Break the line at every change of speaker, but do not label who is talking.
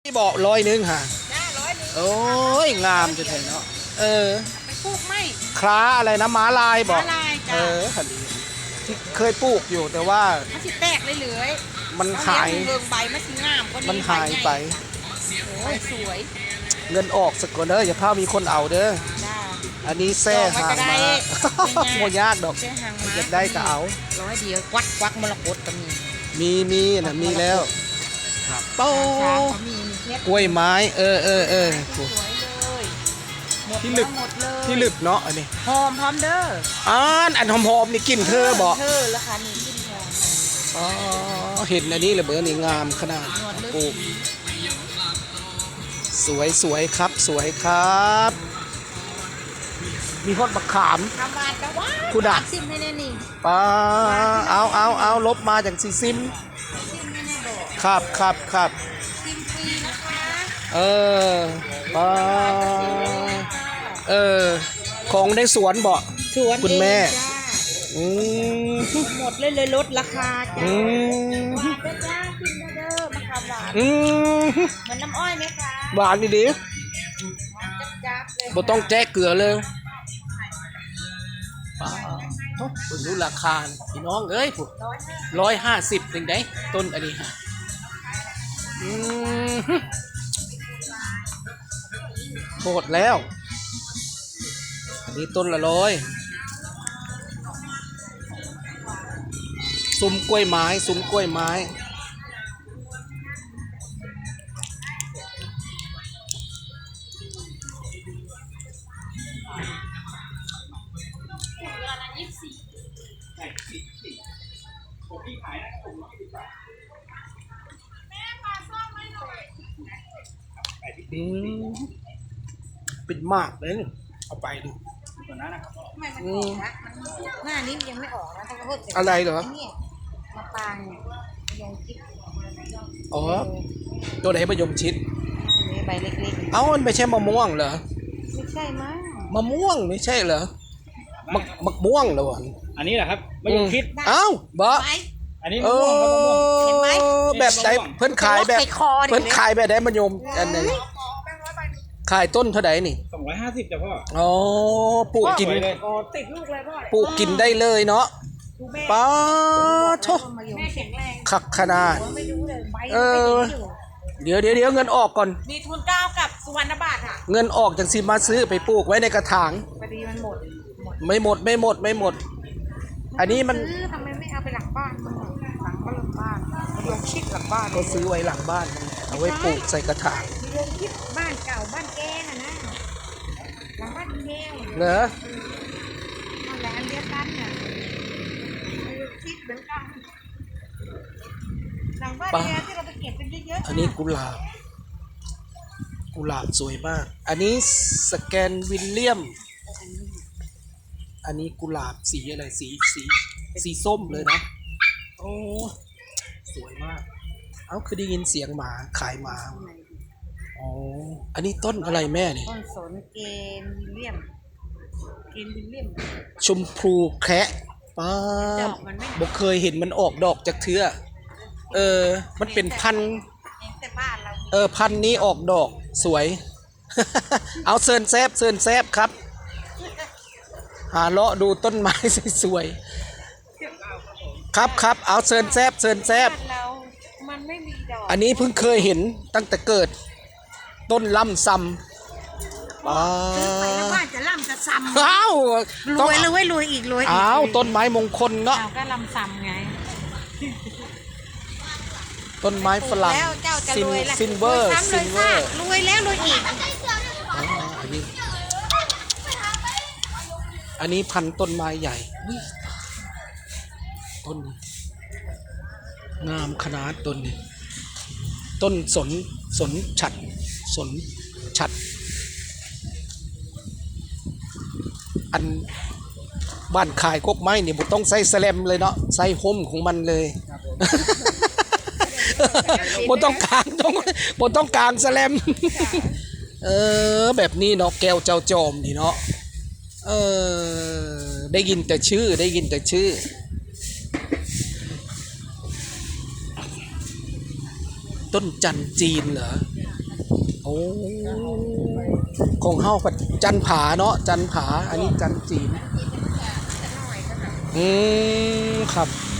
ที่บอก100ฮะ
จ้า100
โอ้ยงามจะถึงเนาะ
ไปปลูกไม่
คล้าอะไรนะม้าลายบอก
ม้าลายจ้ะ
คันนี้ที่เคยปลูกอยู่แต่ว่า
มันสิแตกเลย
มันหาย
เรื่องใบมันสิงามกว่านี้
มันหายไป
โอ้ยสวย
เงินออกสักก่อนเด้ออย่าพามีคนเอาเด้อ
จ้า
อันนี้แซ่หางมาโมยากดอกอยากได้ก็เอา
100เดียวควักมรกตก็
มีนะมีแล้วโป้กล้วยไม้
สวยเลย
ที่ลึกที่ลึกเนาะอันนี้
หอมพร้อมเด้อ
อันหอมๆนี่กินเธอบอก
เธอราคานี่กินหอ
มเห็นอันนี้เลยเบอร์นี่งามขนาดปลูกสวยครับสวยครับมีฮอดมะขาม
คุณด่าซิมให้แน่นี่
ป้าเอาลบมาจากซีซิมครับ
ซิมฟรีนะคะ
ป้าของในสวนบ่คุณแม่
หมดเลยลดราคาจ้าหวานจ้ากินเด้อมะขามหวานเหมือนน้ำอ้อยไหมคะ
หวานดี
จับเลย
บ่ต้องแจ้เกลือเลยคุณรู้ราคาพี่น้องเอ้ยผู้150เป็นไงต้นอันนี้ฮะโหดแล้วอันนี้ต้นละ100ซุ้มกล้วยไม้เป็นมากเลยเอาไปดู
ก่อนนะมันออกนะหน้านี้ยังไม่ออกนะต้องพูด
อะไรเหรอ
มะปรางยงชิด
ตัวไหนมะยมชิด
ใบเล็ก
ๆมันไม่ใช่มะม่วงเหรอ
ไม่ใช่มั้ง
มะม่วงไม่ใช่เหรอมะม่วงเหรอ
อันนี้แหละครับมะยมชิด
บ่
อันนี้มะม่วง
เห็นไหม
แบบไหนเพิ่นขายแบบได้มะยมอันนึงขายต้นเท่าไหร่นี่
250จ้ะพ่
อปลูกกิน
ติดลูกเลยพ่อ
ปลูกกินได้เลยเนาะป้าโชขักขนาดเดี๋ยวเงินออกก่อน
มีทุน9กับสุวรรณบาทค่ะ
เงินออกจังสิมาซื้อไปปลูกไว้ในกระถาง
พอดีมันหมด
ไม่หมดอันนี้มัน
ทำไมไม่เอาไปหลังบ้านมันหลังบ้านยงชิดหลังบ้าน
ก็ซื้อไว้หลังบ้านเอาไว้ปลูกใส่กระถาง
ยงชิดบ้านเก่าบ้านแกนะหลังบ้านแก้ว
เหรอ
อะไรอันเดียวกันน่ะยงชิดเหมือนกันหลังบ้านแกที่เราไปเก็บเป็นเยอะ
ๆอันนี้กุหลาบสวยมากอันนี้สแกนวิลเลียมอันนี้กุหลาบสีอะไรสีส้มเลยนะโอ้สวยมากคือได้ยินเสียงหมาขายหมาอันนี้ต้นอะไรแม่นี่
ต้นสนเกนวิลเลียม
ชมพูแคระป้าบอกเคยเห็นมันออกดอกจากเทือมันเป็นพันพันนี้ออกดอกสวยเอาเซินแซบครับหาเลาะดูต้นไม้สวยๆครับเอาเซินแซบอันนี้เพิ่งเคยเห็นตั้งแต่เกิดต้นล่ำซำ
ซื้อไปแล้วว่าจะล่ำจะซ้ำรวยอีก
ต้นไม้มงคลเนาะ
ก็ล่ำซ้ำไง
ต้นไม้ฝรั่งซินเวอร์
รวยแล้วรวยอีก
อันนี้พันต้นไม้ใหญ่ต้นงามขนาดต้นนี้ต้นสนฉัดอันบ้านขายกกไม้เนี่ยบุต้องใส่แสลมเลยเนาะใส่ห่มของมันเลยบุต้องกางแสลมแบบนี้เนาะแก้วเจ้าจอมนี่เนาะได้ยินแต่ชื่อต้นจันจีนเหรอโอ้ของเฮาผัดจันผาเนาะจันผาอันนี้จันจีน
หน่อยก็แบบ
ครับ